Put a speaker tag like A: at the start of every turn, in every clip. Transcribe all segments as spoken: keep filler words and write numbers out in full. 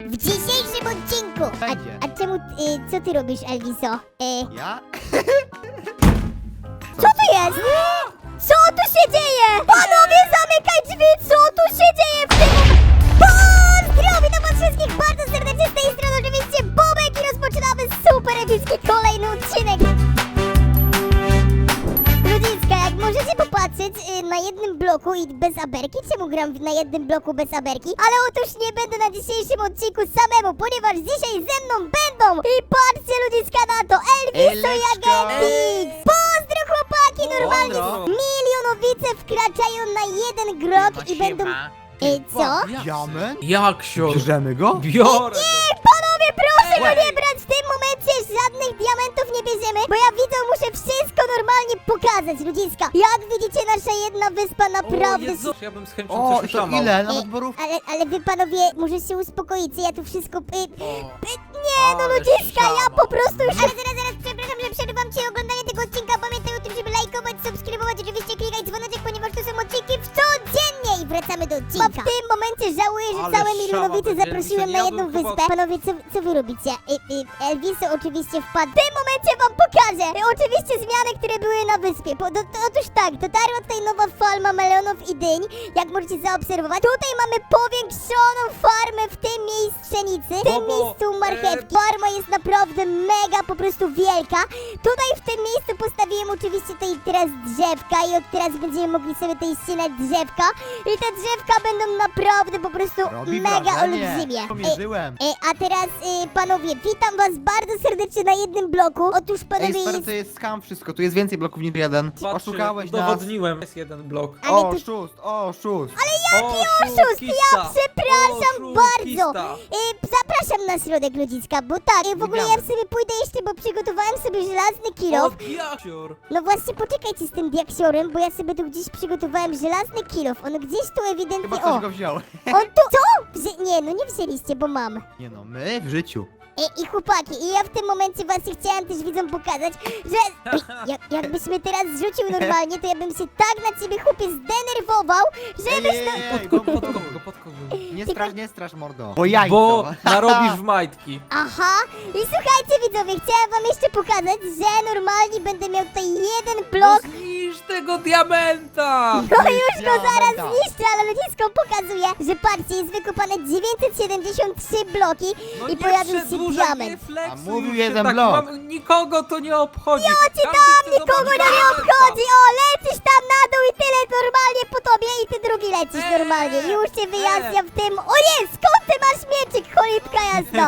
A: W dzisiejszym odcinku!
B: Będzie.
A: A, a czemu, y, co ty robisz, Elviso? Y,
B: Ja?
A: co to jest? Co tu się dzieje? Panowie, zamykaj drzwi! Co tu się dzieje w tym momencie? Pozdro! Witam was wszystkich bardzo serdecznie z tej strony, oczywiście Bobek i rozpoczynamy super epicki kolejny odcinek. Ludziska, jak możecie popatrzeć y, na jednym bloku i bez aberki, czemu gram na jednym bloku bez aberki? Ale otóż nie będę na dzisiejszym odcinku samemu, ponieważ dzisiaj ze mną będą i patrzcie ludziska na to, Elviso i
B: Eleczko.
A: Agentix! Pozdro chłopaki, normalnie
B: Pozdro.
A: milionowice wkraczają na jeden grok i będą... Y, co?
B: Diament?
C: Jak sior?
B: Bierzemy go?
C: Biorę!
A: Nie, panowie, proszę go
C: Ej.
A: nie brać w tym momencie, żadnych diamentów nie bierzemy, bo ja widzę, muszę wszystko normalnie pokazać, ludziska. Jak widzicie, nasza jedna wyspa
C: O
A: naprawdę...
C: Jezu, ja bym z chęcią
B: O,
C: coś
B: to
C: uszamał.
B: ile?
A: E,
B: Nawet borówki?
A: ale, ale wy panowie, muszę się uspokoić, ja tu wszystko... Y,
C: O,
A: y, nie, no
C: ale
A: ludziska, ja
C: szama.
A: po prostu już... Ale zaraz, zaraz, przepraszam, że przerywam ci oglądanie tego odcinka. Pamiętaj o tym, żeby lajkować, subskrybować, oczywiście klikać dzwoneczek, ponieważ to są odcinki w codziennie i wracamy do odcinka. W tym momencie żałuję, że
C: Ale
A: całe
C: szama
A: milionowice
C: będzie,
A: zaprosiłem
C: ja
A: na
C: bym
A: jedną
C: chyba-
A: wyspę. Panowie, co, co wy robicie? Y, y, Elviso oczywiście wpadł. W tym momencie wam pokażę y, oczywiście zmiany, które były na wyspie. Po, do, to, otóż tak, dotarła tutaj nowa farma melonów i dyń, jak możecie zaobserwować. Tutaj mamy powiększoną farmę w tym miejscu pszenicy, w tym
C: Bobo,
A: miejscu marchewki.
C: e,
A: Farma jest naprawdę mega, po prostu wielka. Tutaj w tym miejscu postawiłem oczywiście tutaj teraz drzewka i od teraz będziemy mogli sobie tutaj ścinać drzewka. I te drzewka będą naprawdę po prostu
B: Robi
A: mega
B: wrażenie.
A: olbrzymie. E,
B: Pomierzyłem.
A: e, a teraz y, panowie, witam was bardzo serdecznie na jednym bloku. Otóż
B: Ej,
A: panowie
B: stary,
A: jest...
B: to jest skam wszystko, tu jest więcej bloków niż jeden.
C: Patrzcie,
B: Oszukałeś nas.
C: udowodniłem. Jest jeden blok.
A: Ale
B: O,
A: to-
B: szóst, o, szóst.
C: Ale jaki
A: oszust, ja przepraszam bardzo. Y, zapraszam na środek ludziska, bo tak, y, w ogóle ja
B: Widziałem.
A: sobie pójdę jeszcze, bo przygotowałem sobie żelazny kilof.
C: O, jakior.
A: No właśnie, poczekajcie z tym diaksiorem, bo ja sobie tu gdzieś przygotowałem żelazny kilof. On gdzieś tu ewidentnie...
B: Chyba
A: O,
B: ktoś go wziął.
A: on tu... Co? Wzię... Nie, no nie wzięliście, bo mam.
B: Nie no, my w życiu.
A: I, I chłopaki, i ja w tym momencie właśnie chciałam też widzom pokazać, że Ej, jak, jakbyś mnie teraz zrzucił normalnie, to ja bym się tak na ciebie chłopie zdenerwował,
B: Ej,
A: żebyś
B: ej,
A: to...
B: ej, ej,
C: Podkop,
B: go- go-
C: podkop
B: go-
C: go, podkop go.
B: Nie
A: Tylko-
B: strasz, nie strasz, mordo. Bo jajco.
C: Bo narobisz w majtki.
A: Aha, i słuchajcie widzowie, chciałam wam jeszcze pokazać, że normalnie będę miał tutaj jeden
C: No
A: blok.
C: zniszcz tego diamenta!
A: No już go zaraz
B: Diamenta.
A: zniszczę, ale ludziskom pokazuję, że patrzcie, jest wykopane dziewięćset siedemdziesiąt trzy bloki
C: No
A: i
C: nie
A: pojawił się
C: przedłużaj,
A: diament.
C: nie flexuj
B: A mówił
C: już się
B: jeden
C: tak,
B: blok.
C: mam- Nikogo to nie obchodzi.
A: Ja ci
C: Każdy
A: tam,
C: chce
A: nikogo
C: zobaczyć
A: to nie
C: diamenta.
A: obchodzi, o, lecisz tam na dół i tyle normalnie po tobie i ty drugi lecisz
C: Eee,
A: normalnie, już cię wyjaśniam w tym, o nie, skąd ty masz mieczyk, cholipka jasno,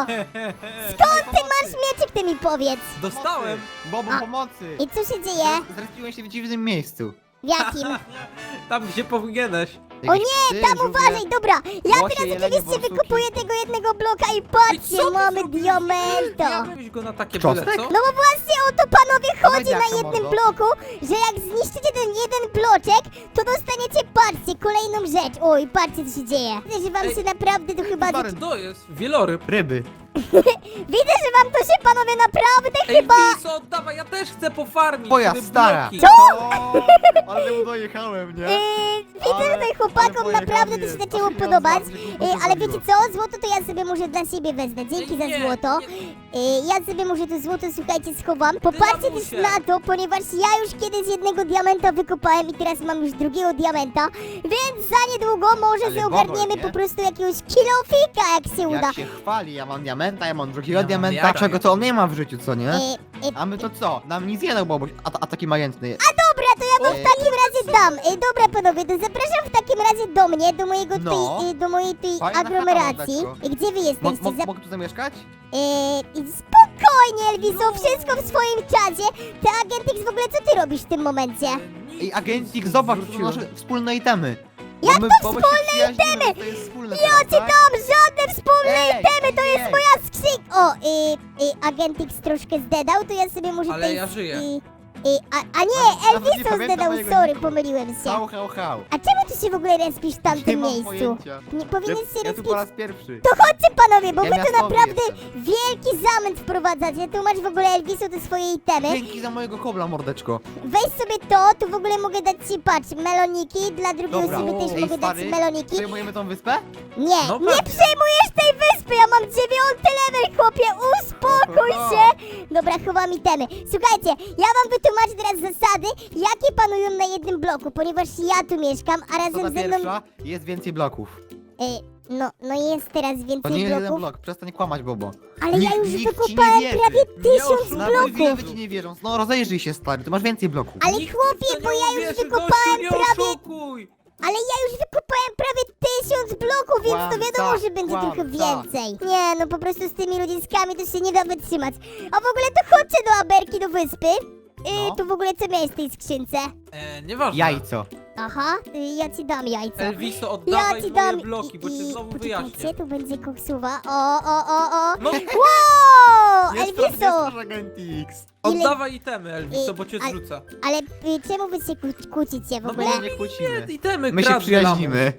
A: skąd ty masz mieczyk, ty mi powiedz,
C: Dostałem.
B: Bobo,
A: A.
B: pomocy.
A: i co się dzieje,
B: Zrespiłem się w dziwnym miejscu.
A: w jakim,
C: Tam gdzie powinieneś.
A: o
B: Jakieś
A: nie,
B: psy,
A: tam
B: żółwie.
A: uważaj, dobra, ja
B: Łosie,
A: teraz
B: jelenie,
A: oczywiście
B: borsuki.
A: wykupuję tego jednego bloka i
C: I
A: patrzcie,
C: co ty
A: mamy
C: zrobiłeś?
A: diamento.
C: Ja bym go na takie
B: Cząstek?
C: byle, co?
A: No bo właśnie o to panowie chodzi
B: Dawaj,
A: na
B: jak to
A: jednym
B: mordo?
A: bloku, że jak zniszczycie ten jeden bloczek, to dostaniecie, patrzcie, kolejną rzecz. Oj, patrzcie co się dzieje. Widzę, że wam
C: Ej,
A: się naprawdę to chyba...
B: Stary,
A: zaczy-
C: To jest wieloryb.
B: Ryby.
A: Widzę, że wam to się panowie naprawdę
C: Ej,
A: chyba...
C: Wiso, oddawaj, ja też chcę pofarmić.
B: Twoja
C: te
B: stara.
C: bloki.
B: Co? Ale mu dojechałem, nie?
A: Yy, widzę, że
B: Ale-
A: tutaj chłopakom
B: ale
A: naprawdę to
B: pojechał
A: się
B: mnie.
A: zaczęło
B: Aż się
A: podobać.
B: bardzo
A: Yy,
B: głupio
A: ale
B: zrobiło.
A: wiecie co? Złoto to ja sobie może dla siebie wezmę. Dzięki za
C: Nie,
A: złoto.
C: nie.
A: Yy, ja sobie może to złoto, słuchajcie, schowam. Popatrzcie też
C: lamusie.
A: na to, ponieważ ja już kiedyś jednego diamenta wykopałem i teraz mam już drugiego diamenta, więc za niedługo może
B: Ale
A: sobie
B: bobol,
A: ogarniemy
B: nie?
A: po prostu jakiegoś kilofika, jak się uda.
B: Jak się chwali, ja mam diamenta, ja mam drugiego
C: Ja mam
B: diamenta,
C: jara,
B: czego
C: ja.
B: to on nie ma w życiu, co nie?
A: Yy, yy,
B: A my to co? Nam nic nie dał Boboś, a, a taki majętny.
A: Dobra, to ja wam w
B: Ej.
A: takim razie dam. Ej, dobra panowie, to zapraszam w takim razie do mnie, do mojego
B: No.
A: tej, y, do mojej tej
B: Fajna
A: aglomeracji.
B: chata, mordeczko.
A: I gdzie wy
B: Mo,
A: jesteście?
B: mo,
A: Zap-
B: mogę tu zamieszkać?
A: Yy, i spokojnie, Elviso,
C: No.
A: wszystko w swoim czasie. Ty, Agentix, w ogóle co ty robisz w tym momencie?
B: Ej, agentik, zobacz, to są nasze wspólne itemy.
A: Jak
B: Bo my,
A: to
B: bo my
A: wspólne
B: się przyjaźnimy,
A: itemy?
B: To jest wspólne
A: Ja
B: teraz,
A: ci
B: tak?
A: dam żadne wspólne
B: Ej,
A: itemy, to
B: ej,
A: jest
B: ej.
A: moja skrzynka. O, y, y, Agentix troszkę zdedał, to ja sobie może
C: Ale
A: tej...
C: ja żyję.
A: Y, y, a, a nie,
B: Nawet nie
A: Elviso
B: pamiętam
A: zdedał,
B: mojego
A: sorry,
B: niku.
A: pomyliłem się.
B: Hał, hał, hał.
A: A czemu ty się w ogóle respisz w
B: Nie
A: tamtym
B: mam
A: miejscu?
B: pojęcia.
A: Nie powinien
B: Ja,
A: się
B: ja tu
A: respić...
B: po raz pierwszy.
A: To chodźcie panowie, bo
B: Ja
A: wy tu
B: miastowy
A: naprawdę
B: jestem.
A: wielki zamęt wprowadzacie. Tu masz w ogóle, Elviso, te swoje itemy.
B: Dzięki za mojego kobla, mordeczko.
A: Weź sobie to, tu w ogóle mogę dać ci, patrz, meloniki, dla drugiej
B: Dobra.
A: osoby też
B: Ej,
A: mogę dać
B: stary,
A: meloniki.
B: przejmujemy tą wyspę?
A: Nie,
C: No
A: nie
C: pewnie.
A: przejmujesz tej wyspy, ja mam wam itemy. Słuchajcie, ja wam wytłumaczę teraz zasady, jakie panują na jednym bloku, ponieważ ja tu mieszkam, a
B: Co
A: razem
B: ta
A: ze mną...
B: pierwsza? Jest więcej bloków.
A: Y, no, no jest teraz
B: To
A: więcej
B: nie jest jeden
A: bloków,
B: blok, przestań kłamać, Bobo.
A: ale ja
B: Nikt-
A: już
B: nikt ci nie
A: wykopałem
B: wierzy.
A: prawie
C: Nie
A: tysiąc
C: oszukuj
B: Nawet
A: bloków.
B: widzowie ci nie wierzą. No rozejrzyj się, stary, tu masz więcej bloków.
A: Ale
C: Nikt
A: chłopie,
C: w to nie
A: bo ja już
C: uwierzy,
A: wykopałem
C: gościu, nie
A: prawie...
C: oszukuj!
A: Ale ja już wykopałem prawie tysiąc bloków, więc to
B: Kłamca,
A: wiadomo, że będzie
B: kłamca.
A: trochę więcej. Nie, no po prostu z tymi ludziskami to się nie da wytrzymać. A w ogóle to chodźcie do Aberki, do wyspy. Yy,
B: No.
A: tu w ogóle co miałeś w tej skrzynce?
C: E, nieważne.
B: Jajco.
A: Aha, y, ja ci dam jajco.
C: Elviso,
A: Ja
C: oddawaj
A: ci
C: moje
A: dam
C: bloki, bo cię
A: i-
C: znowu
A: poczekajcie,
C: wyjaśnię.
A: tu będzie koksuwa. O, o, o, o.
C: No,
A: Wow,
B: Jest to, jest
A: Elviso!
B: to Agent X.
A: Ile-
C: oddawaj itemy, Elviso, bo cię
A: ale-
C: zrzucę.
A: Ale y, czemu wy się kłó- kłócicie w
C: No
A: ogóle?
B: My się nie kłócimy.
C: Nie, itemy
B: My się
C: kradnę
B: przyjaźnimy.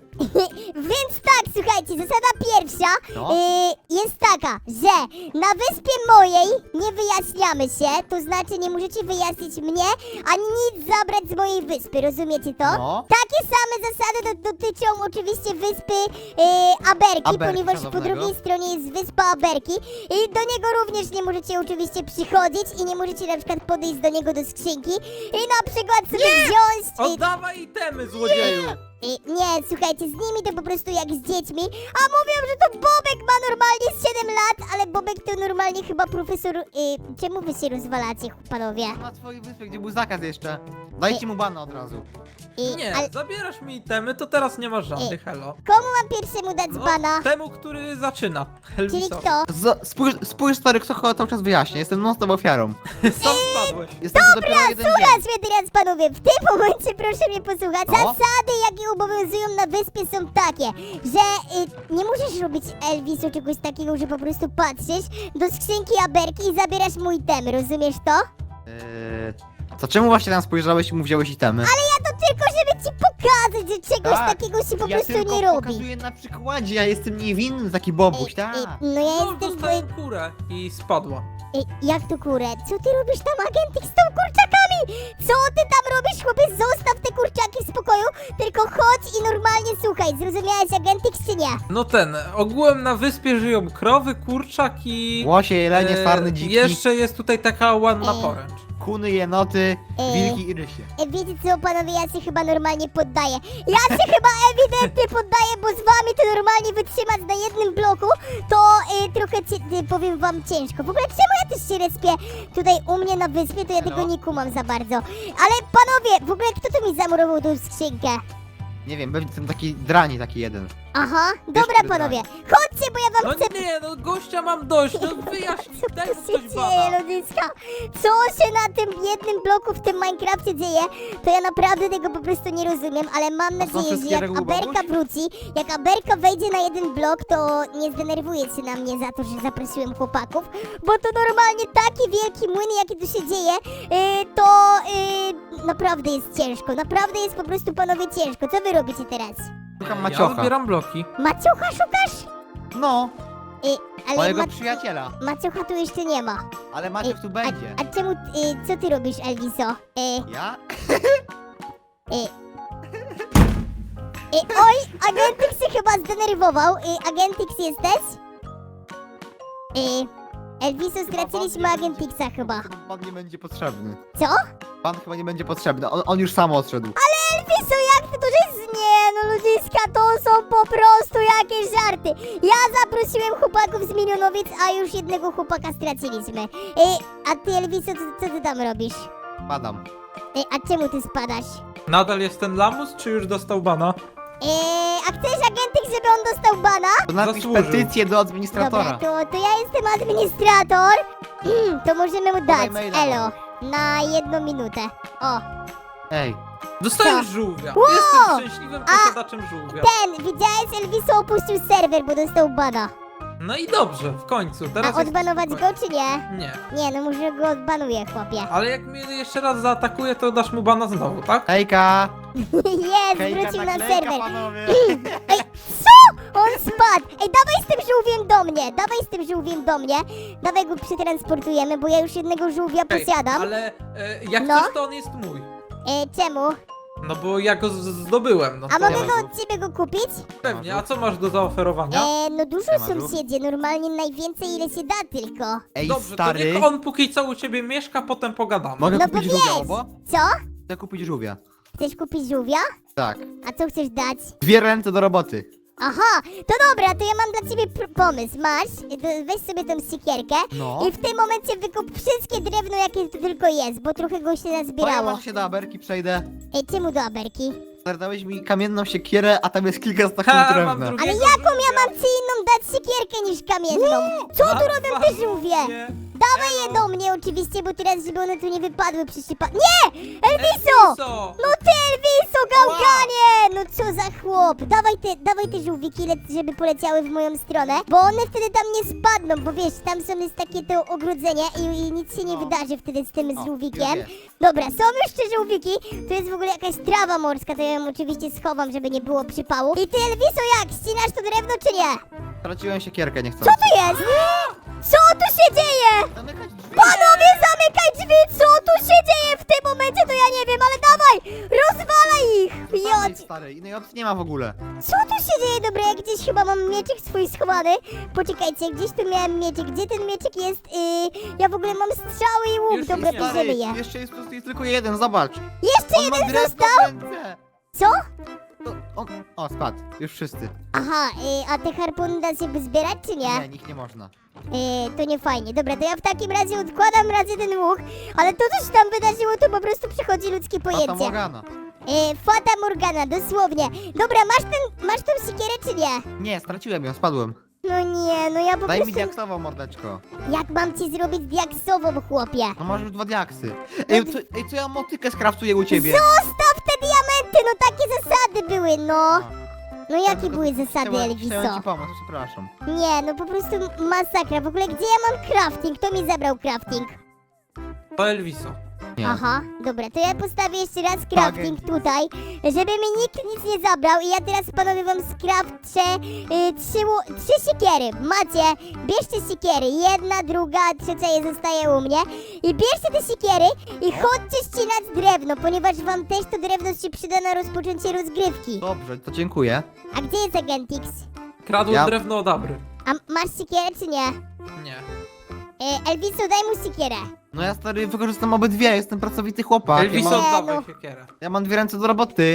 A: Więc tak, słuchajcie, zasada pierwsza
B: No.
A: y, jest taka, że na wyspie mojej nie wyjaśniamy się, to znaczy nie możecie wyjaśnić mnie, ani nic zabrać z mojej wyspy, rozumiecie to?
B: No.
A: Takie same zasady do, dotyczą oczywiście wyspy y, Aberki,
B: Aberki,
A: ponieważ po
B: szanownego.
A: drugiej stronie jest wyspa Aberki i do niego również nie możecie oczywiście przychodzić i nie możecie na przykład podejść do niego do skrzynki i na przykład sobie wziąć... y,
C: Oddawaj itemy, złodzieju!
A: Y, Nie, słuchajcie, z nimi to po prostu jak z dziećmi. A mówią, że to Bobek ma normalnie siedem lat, ale Bobek to normalnie chyba profesor... Y, czemu wy się rozwalacie, panowie?
B: Na twojej wyspie, gdzie był zakaz jeszcze. Dajcie mu bana od razu.
A: Y,
C: Nie,
A: ale
C: zabierasz mi itemy, to teraz nie masz żadnych, hello.
A: komu mam pierwszemu dać
C: No,
A: bana?
C: temu, który zaczyna.
A: Czyli
C: Elviso.
A: kto?
B: Z, spójrz, spójrz, stary, kto chyba cały czas wyjaśnia. Jestem non-stop ofiarą.
C: Sam spadłeś.
B: Jestem tu dopiero jeden dzień.
A: Słuchaj mnie teraz, panowie, w tym momencie proszę mnie posłuchać.
B: No.
A: Zasady, jakie obowiązują na wyspie są takie, że y, nie możesz robić Elvisu czegoś takiego, że po prostu patrzysz do skrzynki Aberki i zabierasz mój item, rozumiesz to?
B: Eee, to czemu właśnie tam spojrzałeś i mu wziąłeś itemy?
A: Ale ja to tylko, żeby ci pokazać, że czegoś
B: Tak,
A: takiego się po
B: ja
A: prostu
B: tylko
A: nie robi.
B: pokazuję na przykładzie, ja jestem niewinny, taki bobuś, tak.
A: Ej, ej, no ja
C: No,
A: jestem...
C: dostałem kurę i spadła.
A: Ej, jak to kurę? Co ty robisz tam, agentik, z tą kurczakami? Co ty tam robisz, chłopie? Zostaw te kurczaki w spokoju, tylko chodź i normalnie słuchaj. Zrozumiałeś, agentik, czy nie?
C: No ten, ogółem na wyspie żyją krowy, kurczak i...
B: Łosie, jelenie,
C: e,
B: sarny, dziki,
C: Jeszcze jest tutaj taka ładna
A: Ej.
C: poręcz.
B: kuny, jenoty,
A: Ej.
B: wilki i rysie.
A: E, wiecie co, panowie, ja się chyba normalnie poddaję. Ja się chyba ewidentnie poddaję, bo z wami to normalnie wytrzymać na jednym bloku, to e, trochę, cie, e, powiem wam, ciężko. W ogóle czemu ja też się respię tutaj u mnie na wyspie, to ja
B: Halo?
A: tego nie kumam za bardzo. Ale panowie, w ogóle kto tu mi zamurował tą skrzynkę?
B: Nie wiem, pewnie ten taki drani taki jeden.
A: Aha, dobra
B: który
A: panowie, chodźcie, bo ja wam
C: No
A: chcę...
C: nie, no gościa mam dość, no wyjaśnij,
A: Co
C: daj
A: tu
C: mu
A: się
C: ktoś
A: dzieje,
C: bana.
A: ludziska? Co się na tym jednym bloku w tym Minecrafcie dzieje? To ja naprawdę tego po prostu nie rozumiem, ale mam
B: są
A: nadzieję, że
B: wszystkie
A: jak
B: reguły,
A: Aberka
B: Boguś?
A: wróci, jak Aberka wejdzie na jeden blok, to nie zdenerwuje się na mnie za to, że zaprosiłem chłopaków, bo to normalnie taki wielki młyn, jaki tu się dzieje, yy, to yy, naprawdę jest ciężko, naprawdę jest po prostu, panowie, ciężko. Co wy robicie teraz?
B: Szukam
C: Ja
B: maciocha.
C: zbieram bloki.
A: Maciucha szukasz?
B: No,
A: Yy, ale
B: mojego
A: Ma
B: przyjaciela.
A: Maciucha tu jeszcze nie ma.
B: Ale Maciuch tu będzie.
A: A, a czemu, y, co ty robisz, Elviso? Y,
B: Ja?
A: y, y, oj, Agentix się chyba zdenerwował. Y, Agentix jesteś? Y, Elviso, straciliśmy Agentixa chyba.
B: Pan nie będzie potrzebny.
A: Co?
B: Pan chyba nie będzie potrzebny, on, on już sam odszedł.
A: Elviso, jak ty to jest? Nie, no ludziska, to są po prostu jakieś żarty. Ja zaprosiłem chłopaków z Milionowic, a już jednego chłopaka straciliśmy. Y, a ty, Elviso, co, co ty tam robisz?
B: Padam.
A: Y, a czemu ty spadasz?
C: Nadal jest ten lamus, czy już dostał bana?
A: Eee, a chcesz, Agentix, żeby on dostał bana?
B: To napisz
C: Zasłużył.
B: petycję do administratora.
A: Dobra, to, to ja jestem administrator. Mm, to możemy mu dać,
B: maila.
A: elo, na jedną minutę. O,
B: Ej,
C: Dostałem
A: Co?
C: żółwia.
A: Wow!
C: Jestem szczęśliwym posiadaczem żółwia.
A: ten, widziałeś, Elviso opuścił serwer, bo dostał bana.
C: No i dobrze, w końcu.
A: A
C: Teraz jest
A: odbanować go,
C: spokojnie.
A: czy nie?
C: Nie.
A: Nie, no może go odbanuję, chłopie.
C: Ale jak mnie jeszcze raz zaatakuje, to dasz mu bana znowu, tak?
B: hejka!
A: Jest,
B: Hejka,
A: wrócił na
B: naklejka,
A: serwer.
B: panowie!
A: Ej, co? On spadł. Ej, dawaj z tym żółwiem do mnie, dawaj z tym żółwiem do mnie. Dawaj go przetransportujemy, bo ja już jednego żółwia
C: Okej,
A: posiadam.
C: ale e, jak
A: No.
C: coś, to on jest mój.
A: E, czemu?
C: No bo ja go z- zdobyłem, no
A: A
C: to
A: mogę
C: ja
A: go
C: go-
A: od ciebie go kupić?
C: Pewnie, a co masz do zaoferowania?
A: E, no dużo
B: Siema,
A: sąsiedzie, normalnie najwięcej ile się da tylko.
B: Ej,
C: Dobrze,
B: stary,
C: to niech on póki co u ciebie mieszka, potem pogadamy.
B: mogę
A: No bo
B: kupić żółwia,
A: wiesz,
B: obo?
A: co?
B: Chcę kupić żółwia.
A: Chcesz kupić żółwia?
B: Tak.
A: A co chcesz dać?
B: Dwie ręce do roboty.
A: Aha, to dobra, to ja mam dla ciebie pr- pomysł. Masz, to weź sobie tą sikierkę
B: No.
A: i w tym momencie wykup wszystkie drewno, jakie tu tylko jest, bo trochę go się
B: To ja
A: nazbierało.
B: może się do Aberki przejdę.
A: Ej, czemu do Aberki?
B: Stary, dałeś mi kamienną siekierę, a tam jest kilka z takim
C: Ha, mam
B: drewna.
C: drugi-
A: Ale jaką ja mam ci inną dać sikierkę niż kamienną? Co tu robią te żółwie?
C: Nie.
A: Dawaj je do mnie oczywiście, bo teraz, żeby one tu nie wypadły przy przypa... Nie! Elviso!
C: Co?
A: No ty Elviso, gałganie! No co za chłop! Dawaj te, dawaj te żółwiki, le- żeby poleciały w moją stronę, bo one wtedy tam nie spadną, bo wiesz, tam są jest takie to ogrodzenie i, i nic się nie
B: No.
A: wydarzy wtedy z tym
B: O,
A: żółwikiem.
B: już
A: Dobra, są już te żółwiki, tu jest w ogóle jakaś trawa morska, to ja ją oczywiście schowam, żeby nie było przypału. I ty Elviso jak, ścinasz to drewno czy nie?
B: Straciłem siekierkę, nie chcę.
A: Co to jest? Co tu się dzieje?
B: Zamykać drzwi.
A: Panowie, zamykaj drzwi! Co tu się dzieje w tym momencie? To ja nie wiem, ale dawaj! Rozwalaj ich!
B: Zamykaj,
A: Jodź!
B: stary, innej opcji nie ma w ogóle.
A: Co tu się dzieje? Dobra, ja gdzieś chyba mam mieczyk swój schowany. Poczekajcie, gdzieś tu miałem mieczyk. Gdzie ten mieczyk jest? Yy, ja w ogóle mam strzały i łuk.
C: Już
A: Dobra,
C: jest,
B: Stary,
A: bierzemy je.
B: jeszcze jest, jest tylko jeden, zobacz.
A: Jeszcze
B: On ma
A: jeden
B: drewno
A: został?
B: w ręce.
A: Co?
B: To, on, o, spadł, już wszyscy.
A: Aha, yy, a te harpuny da się by zbierać, czy nie?
B: Nie, nikt nie można.
A: Yy, to nie fajnie. Dobra, to ja w takim razie odkładam raz jeden łuk, ale to, co się tam wydarzyło, to po prostu przechodzi ludzkie
B: Fata
A: pojęcie.
B: Morgana.
A: Yy, Fata Morgana, dosłownie. Dobra, masz ten, masz tą sikierę, czy nie?
B: Nie, straciłem ją, spadłem.
A: No nie, no ja po
B: Daj mi
A: prostu...
B: diaksową, mordeczko.
A: Jak mam ci zrobić diaksową, chłopie?
B: No masz już dwa diaksy. Ej, co, ej, co ja motykę skraftuję u ciebie?
A: Zostaw te diamenty, no takie zasady były, no. No jakie
B: Tylko
A: były zasady,
B: chciałem- Chciałem
A: Elviso?
B: ci pomóc, przepraszam.
A: Nie, no po prostu masakra. W ogóle gdzie ja mam crafting? Kto mi zabrał crafting?
C: To Elviso.
B: Nie.
A: Aha, dobra, to ja postawię jeszcze raz crafting tutaj, żeby mi nikt nic nie zabrał i ja teraz panowie wam skrafczę y, trzy, ło- trzy siekiery. Macie, bierzcie siekiery, jedna, druga, trzecia je zostaje u mnie i bierzcie te siekiery i chodźcie ścinać drewno, ponieważ wam też to drewno się przyda na rozpoczęcie rozgrywki.
B: Dobrze, to dziękuję.
A: A gdzie jest Agentix?
C: Kradł
B: Ja-
C: drewno od Abry.
A: A masz siekierę czy nie?
C: Nie.
A: Y, Elviso, daj mu siekierę.
B: No ja stary wykorzystam obydwie, jestem pracowity chłopak. Ja
C: Elviso,
B: mam,
A: Nie,
C: oddawaj
A: no.
C: siekierę.
B: ja mam dwie ręce do roboty.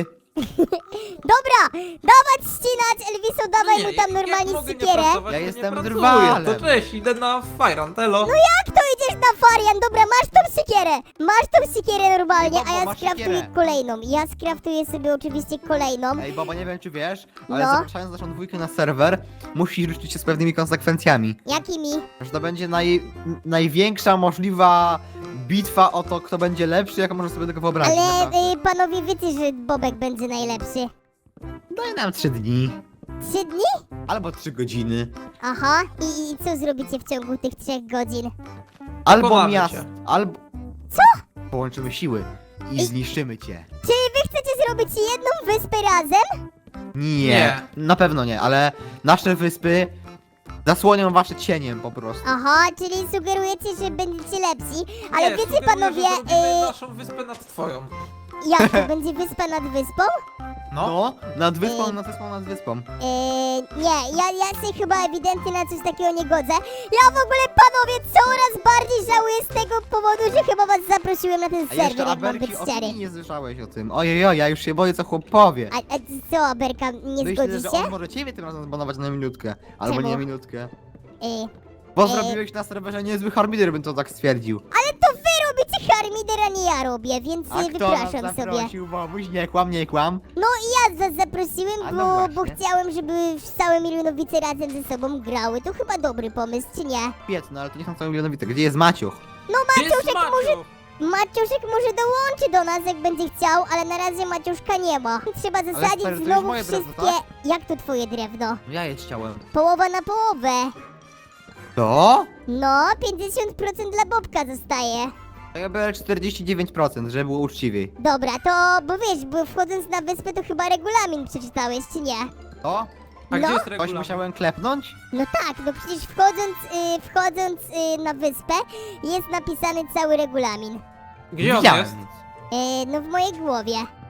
A: Dobra, dawać ścinać, Elviso, dawaj
C: Nie,
A: mu tam
C: jak- jak
A: normalnie
C: mogę nie
A: siekierę.
C: pracować,
B: Ja
C: to nie
B: jestem
C: pracuję.
B: drwalem.
C: To cześć, idę na Fajrantelo.
A: No jak to idziesz na Farian? Dobra, masz tą siekierę. Masz tą siekierę normalnie,
B: Bobo,
A: a ja
B: masz
A: skraftuję
B: siekierę.
A: kolejną. Ja skraftuję sobie oczywiście kolejną.
B: Ej, Bobo, nie wiem czy wiesz, ale
A: No.
B: zapraszając naszą dwójkę na serwer, musisz liczyć się z pewnymi konsekwencjami.
A: Jakimi?
B: Że to będzie naj, największa możliwa bitwa o to, kto będzie lepszy, jaką możesz sobie tylko wyobrazić.
A: Ale
B: naprawdę.
A: y, panowie wiecie, że Bobek będzie najlepszy.
B: Daj nam trzy dni.
A: Trzy dni?
B: Albo trzy godziny.
A: Aha. I, i co zrobicie w ciągu tych trzech godzin?
B: Albo
C: Pokonamy
B: miast.
C: cię.
B: Albo...
A: Co?
B: Połączymy siły i
A: I-
B: zniszczymy cię.
A: Czyli wy chcecie zrobić jedną wyspę razem?
B: Nie,
C: Nie.
B: na pewno nie, ale nasze wyspy zasłonią wasze cieniem po prostu.
A: Aha, czyli sugerujecie, że będziecie lepsi. Ale
C: Nie,
A: wiecie
C: sugeruję,
A: panowie,
C: że zrobimy
A: y,
C: naszą wyspę nad twoją.
A: jak to będzie wyspa nad wyspą?
C: No.
B: No, nad wyspą,
A: Ej.
B: nad wyspą, nad wyspą.
A: Yy, nie, ja, ja się chyba ewidentnie na coś takiego nie godzę. Ja w ogóle, panowie, coraz bardziej żałuję z tego powodu, że chyba was zaprosiłem na ten
B: A
A: serwer,
B: jeszcze
A: jak mam być
B: Aberki
A: szczery.
B: opinii nie słyszałeś o tym. Ojej, ja już się boję, co chłop powie.
A: A, a co, Aberka, nie
B: Myślę,
A: zgodzisz
B: że
A: się?
B: on może ciebie tym razem zbanować na minutkę. Albo
A: Czemu?
B: nie na minutkę.
A: Yy,
B: Bo
A: Ej.
B: zrobiłeś na serwerze niezły harmider, bym to tak stwierdził.
A: ale to wy robicie harmider, a nie ja robię, więc
B: A
A: yy,
B: kto nas
A: wypraszam sobie.
B: zaprosił, Bobuś? Nie kłam, nie kłam.
A: No i ja was zaprosiłem,
B: A
A: bo,
B: no
A: bo
B: właśnie.
A: chciałem, żeby całe milionowice razem ze sobą grały. To chyba dobry pomysł, czy nie?
B: Piękno, ale to nie są całe milionowice. Gdzie jest Maciuch?
A: No
C: Gdzie jest
A: Maciuszek może,
C: Maciuch?
A: Maciuszek może dołączy do nas, jak będzie chciał, ale na razie Maciuszka nie ma. Trzeba zasadzić
B: stary, to jest
A: znowu
B: moje drewno,
A: wszystkie...
B: tak?
A: Jak to twoje drewno?
B: Ja je chciałem.
A: Połowa na połowę.
B: To?
A: No, pięćdziesiąt procent dla Bobka zostaje.
B: To ja biorę czterdzieści dziewięć procent, żeby było uczciwiej.
A: Dobra, to, bo wiesz, bo wchodząc na wyspę to chyba regulamin przeczytałeś, czy nie?
B: To?
C: A
A: No.
C: gdzie jest
B: Coś
C: regulamin?
B: musiałem klepnąć?
A: No tak, no przecież wchodząc, y, wchodząc y, na wyspę jest napisany cały regulamin.
C: Gdzie on
B: Widziałem
C: jest?
B: nic.
A: Y, no w mojej głowie.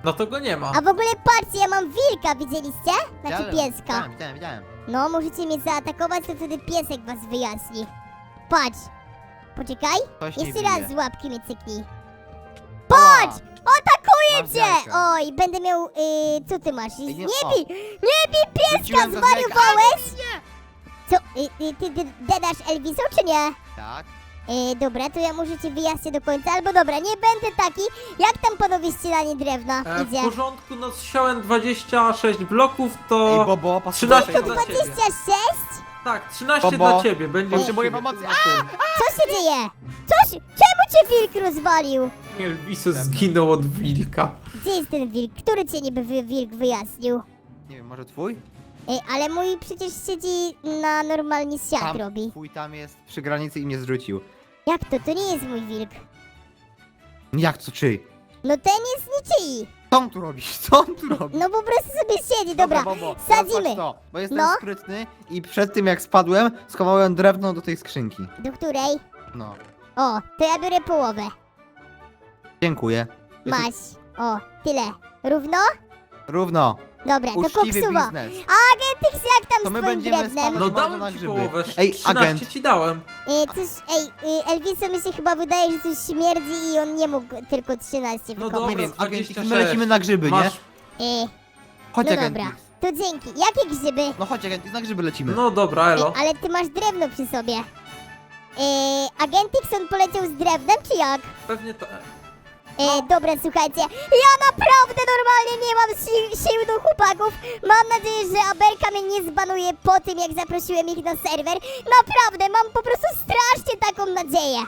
C: No to go nie ma.
A: A w ogóle patrzcie, ja mam wilka, widzieliście? Znaczy
B: Widziałem,
A: pieska.
B: Widziałem, widziałem, widziałem.
A: No, możecie mnie zaatakować, to wtedy piesek was wyjaśni. Patrz. Poczekaj.
B: Coś nie
A: Jeszcze
B: bije.
A: raz z łapki mnie cyknij.
B: Patrz!
A: Atakuje
B: Masz
A: cię!
B: jajka.
A: Oj, będę miał... Y, co ty masz? Nie
B: nie-
A: bij! Nie bij pieska!
B: Rzuciłem go z jajka.
A: Zwariowałeś? Co? Y, y, ty, ty dedasz Elviso, czy nie?
B: Tak.
A: E, dobra, to ja może cię wyjaśnię do końca, albo dobra, nie będę taki. Jak tam panowie ścielanie drewna
C: E, w
A: idzie?
C: porządku, no zsiałem dwadzieścia sześć bloków,
B: Ej,
C: to...
B: Bobo,
C: trzynaście
B: posłuchaj.
C: dla ciebie.
A: dwadzieścia sześć?
C: Tak, trzynaście
B: Bobo,
C: dla ciebie, będzie
B: potrzebuję
C: u ciebie,
B: pomocy.
C: ty na tym.
A: Co się dzieje? Coś? Czemu cię wilk rozwalił?
C: Elviso zginął od wilka.
A: Gdzie jest ten wilk? Który cię niby wy, wilk wyjaśnił?
B: Nie wiem, może twój?
A: Ej, ale mój przecież siedzi na normalnie siat
B: Tam,
A: robi.
B: twój tam jest przy granicy i mnie zrzucił.
A: Jak to? To nie jest mój wilk.
B: Jak to czyj?
A: No ten jest niczyj.
B: Co on tu robisz? Co on tu robi?
A: No po prostu sobie siedzi, dobra.
B: Bobo,
A: sadzimy.
B: teraz patrz To, bo jestem
A: No.
B: sprytny i przed tym jak spadłem, schowałem drewno do tej skrzynki.
A: Do której?
B: No.
A: O, to ja biorę połowę.
B: Dziękuję.
A: Masz. O, tyle. Równo?
B: Równo.
A: Dobra, to
B: Uczciwy
A: koksuwa.
B: biznes.
A: Agentix, jak tam
B: To
A: z
B: my
A: twoim
B: będziemy
A: drewnem?
B: spadać-
C: No
B: bardzo na
C: dałem ci
B: grzyby.
C: połowę,
B: Ej,
C: trzynaście
B: agent.
C: ci dałem.
A: E, coś, ej, e, Elviso mi się chyba wydaje, że coś śmierdzi i on nie mógł tylko trzynaście
C: No
A: wykopać.
B: Nie
C: dobra,
B: wiem, agent,
C: dwadzieścia
B: my lecimy na grzyby, nie?
C: Masz...
A: E,
B: Chodź,
A: no
B: agent.
A: dobra, to dzięki. Jakie grzyby?
B: No chodź, agent, na grzyby lecimy.
C: No dobra,
A: Ej,
C: elo.
A: ale ty masz drewno przy sobie. E, Agentix, on poleciał z drewnem, czy jak?
C: Pewnie to...
A: E, dobra, słuchajcie, ja naprawdę normalnie nie mam si sił do chłopaków. Mam nadzieję, że Aberka mnie nie zbanuje po tym, jak zaprosiłem ich na serwer. Naprawdę, mam po prostu strasznie taką nadzieję.